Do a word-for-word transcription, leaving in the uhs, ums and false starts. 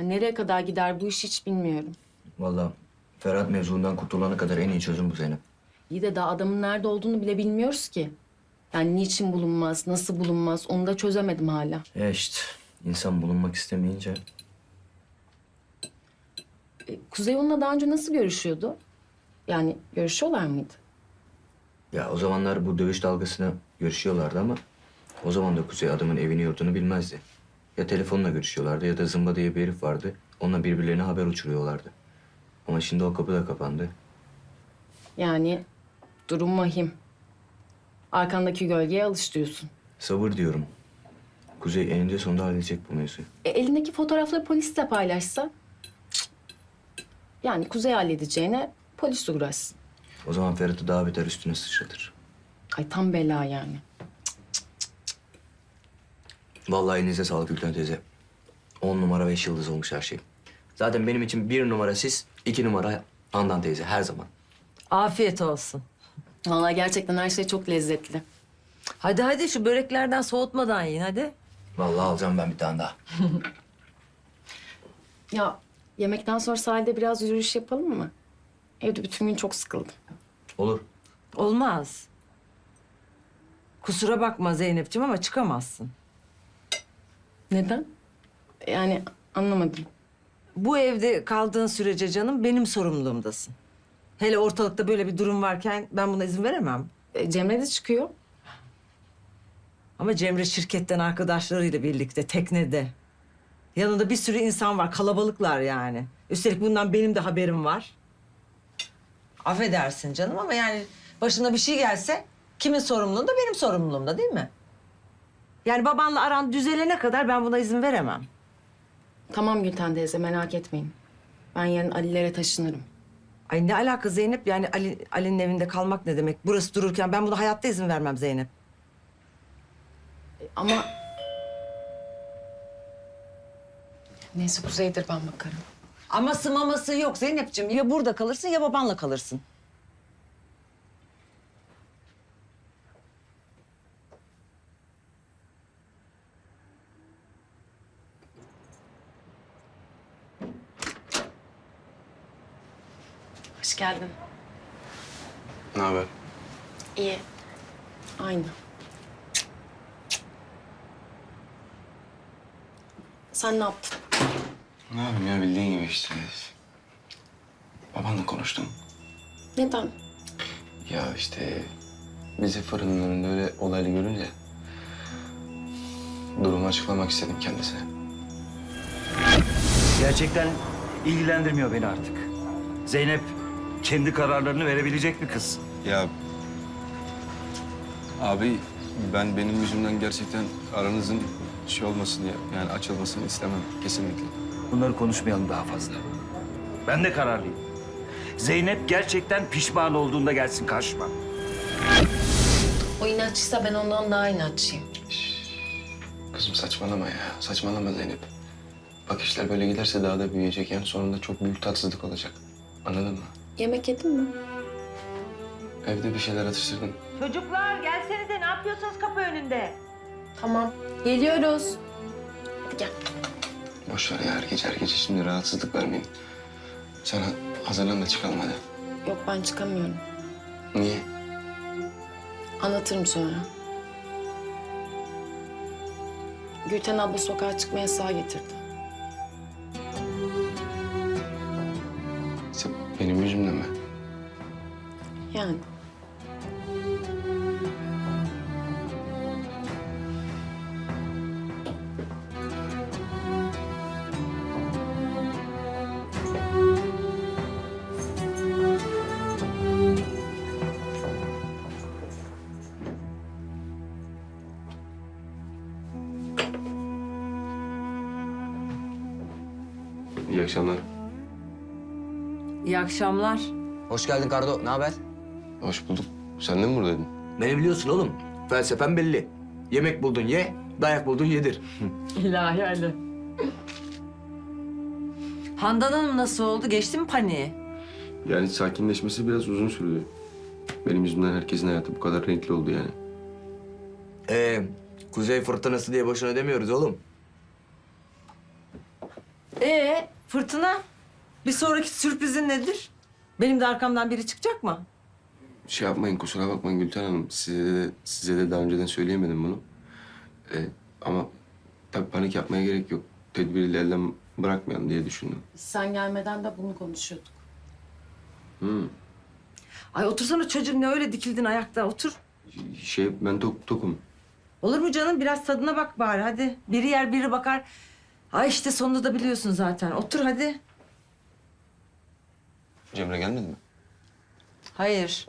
Ha, nereye kadar gider bu iş hiç bilmiyorum. Vallahi Ferhat mevzundan kurtulana kadar en iyi çözüm bu Zeynep. İyi de daha adamın nerede olduğunu bile bilmiyoruz ki. Yani niçin bulunmaz, nasıl bulunmaz onu da çözemedim hala. Ya işte insan bulunmak istemeyince E, Kuzey onunla daha önce nasıl görüşüyordu? Yani görüşüyorlar mıydı? ya o zamanlar bu dövüş dalgasına görüşüyorlardı ama o zaman da Kuzey adamın evini yurdunu bilmezdi. Ya telefonla görüşüyorlardı ya da Zımba diye bir herif vardı. Onunla birbirlerine haber uçuruyorlardı. Ama şimdi o kapı da kapandı. Yani durum vahim. Arkandaki gölgeye alış diyorsun. Sabır diyorum. Kuzey eninde sonunda halledecek bu mevzuyu. E, elindeki fotoğrafları polisle paylaşsa? Yani Kuzey halledeceğine polis uğraşsın. O zaman Ferhat'ı daha beter üstüne sıçratır. Ay tam bela yani. Vallahi elinize sağlık Gülten teyze. On numara beş yıldız olmuş her şey. Zaten benim için bir numara siz, iki numara Handan teyze her zaman. Afiyet olsun. Vallahi gerçekten her şey çok lezzetli. Hadi hadi şu böreklerden soğutmadan yiyin hadi. Vallahi alacağım ben bir tane daha. Ya yemekten sonra sahilde biraz yürüyüş yapalım mı? Evde bütün gün çok sıkıldım. Olur. Olmaz. Kusura bakma Zeynep'ciğim ama çıkamazsın. Neden? Yani anlamadım. Bu evde kaldığın sürece canım benim sorumluluğumdasın. Hele ortalıkta böyle bir durum varken ben buna izin veremem. E, Cemre de çıkıyor. Ama Cemre şirketten arkadaşlarıyla birlikte teknede. Yanında bir sürü insan var, kalabalıklar yani. Üstelik bundan benim de haberim var. Affedersin canım ama yani başına bir şey gelse kimin sorumluluğunda? Benim sorumluluğumda değil mi? Yani babanla aran düzelene kadar ben buna izin veremem. Tamam Gülten teyze merak etmeyin. Ben yarın Ali'lere taşınırım. Ay ne alaka Zeynep? Yani Ali, Ali'nin evinde kalmak ne demek? Burası dururken ben buna hayatta izin vermem Zeynep. E, ama... Neyse Kuzey'dir ben bakarım. Aması maması yok Zeynep'ciğim. Ya burada kalırsın ya babanla kalırsın. Hoş geldin. Ne haber? İyi. Aynı. Sen ne yaptın? Ne yapayım ya bildiğin gibi işte. Babanla konuştum. Neden? Ya işte bizi fırının önünde öyle olaylı görünce durumu açıklamak istedim kendisine. Gerçekten ilgilendirmiyor beni artık. Zeynep kendi kararlarını verebilecek bir kız. Ya abi ben benim yüzümden gerçekten aranızın şey olmasını yani açılmasını istemem kesinlikle. Bunları konuşmayalım daha fazla. Ben de kararlıyım. Zeynep gerçekten pişman olduğunda gelsin karşıma. O inatçıysa ben ondan daha inatçıyım. Kızım saçmalama ya saçmalama Zeynep. Bak işler böyle giderse daha da büyüyecek yani sonunda çok büyük tatsızlık olacak. Anladın mı? Yemek yedin mi? Evde bir şeyler atıştırdım. Çocuklar gelsenize ne yapıyorsunuz kapı önünde? Tamam. Geliyoruz. Hadi gel. Boş ver ya her gece her gece şimdi rahatsızlık vermeyin. Sen hazırlan da çıkalım hadi. Yok ben çıkamıyorum. Niye? Anlatırım sonra. Gülten abla sokağa çıkma yasağı getirdi. Sen benim yüzümden mi? Yani. İyi akşamlar. İyi akşamlar. Hoş geldin Kardo. Ne haber? Hoş bulduk. Sen de mi buradaydın? Beni biliyorsun oğlum. Felsefem belli. Yemek buldun ye, dayak buldun yedir. İlahi Ali. Handan Hanım nasıl oldu? Geçti mi paniği? Yani sakinleşmesi biraz uzun sürdü. Benim yüzümden herkesin hayatı bu kadar renkli oldu yani. Ee, Kuzey fırtınası diye boşuna demiyoruz oğlum. Ee, Fırtına, bir sonraki sürprizin nedir? Benim de arkamdan biri çıkacak mı? Şey yapmayın, kusura bakmayın Gülten Hanım. Size de, size de daha önceden söyleyemedim bunu. Ee, ama tabii panik yapmaya gerek yok. Tedbiri elden bırakmayalım diye düşündüm. Biz sen gelmeden de bunu konuşuyorduk. Hmm. Ay otursana çocuğum, ne öyle dikildin ayakta, otur. Şey, ben tok, tokum. Olur mu canım? Biraz tadına bak bari hadi. Biri yer biri bakar. Ay işte sonunu da biliyorsun zaten. Otur hadi. Cemre gelmedi mi? Hayır.